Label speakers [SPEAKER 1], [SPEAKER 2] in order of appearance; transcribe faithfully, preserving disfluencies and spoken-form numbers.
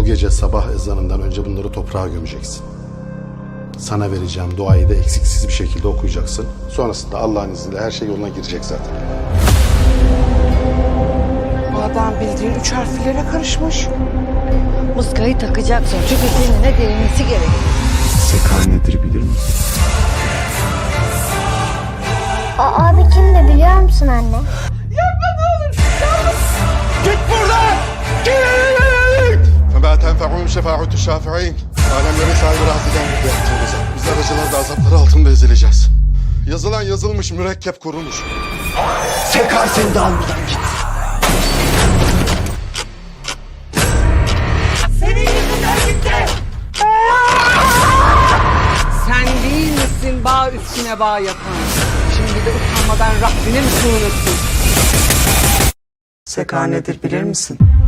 [SPEAKER 1] gece sabah ezanından önce bunları toprağa gömeceksin. Sana vereceğim duayı da eksiksiz bir şekilde okuyacaksın. Sonrasında Allah'ın izniyle her şey yoluna girecek zaten.
[SPEAKER 2] Bu adam bildiğin üç harflere karışmış.
[SPEAKER 3] Muskayı takacaksın çünkü seninle değmesi gerekiyor.
[SPEAKER 4] Sekar nedir bilir misin?
[SPEAKER 5] O abi kim de biliyor musun anne?
[SPEAKER 1] Git buradan! Git! فَمَا تَنْفَعُهُمْ شَفَاعُةُ الشَّافِعِينَ. Alemlerin sahibi razıdan gitti yaptığımıza. Biz aracılar da azapları altında ezileceğiz. Yazılan yazılmış, mürekkep kurulmuş.
[SPEAKER 4] Sekar seni de almadan git.
[SPEAKER 2] Senin yüzünden gitti. Sen değil misin bağ üstüne bağ yapan? Şimdi de utanmadan Rabbine mi sığınırsın? Seka nedir bilir misin?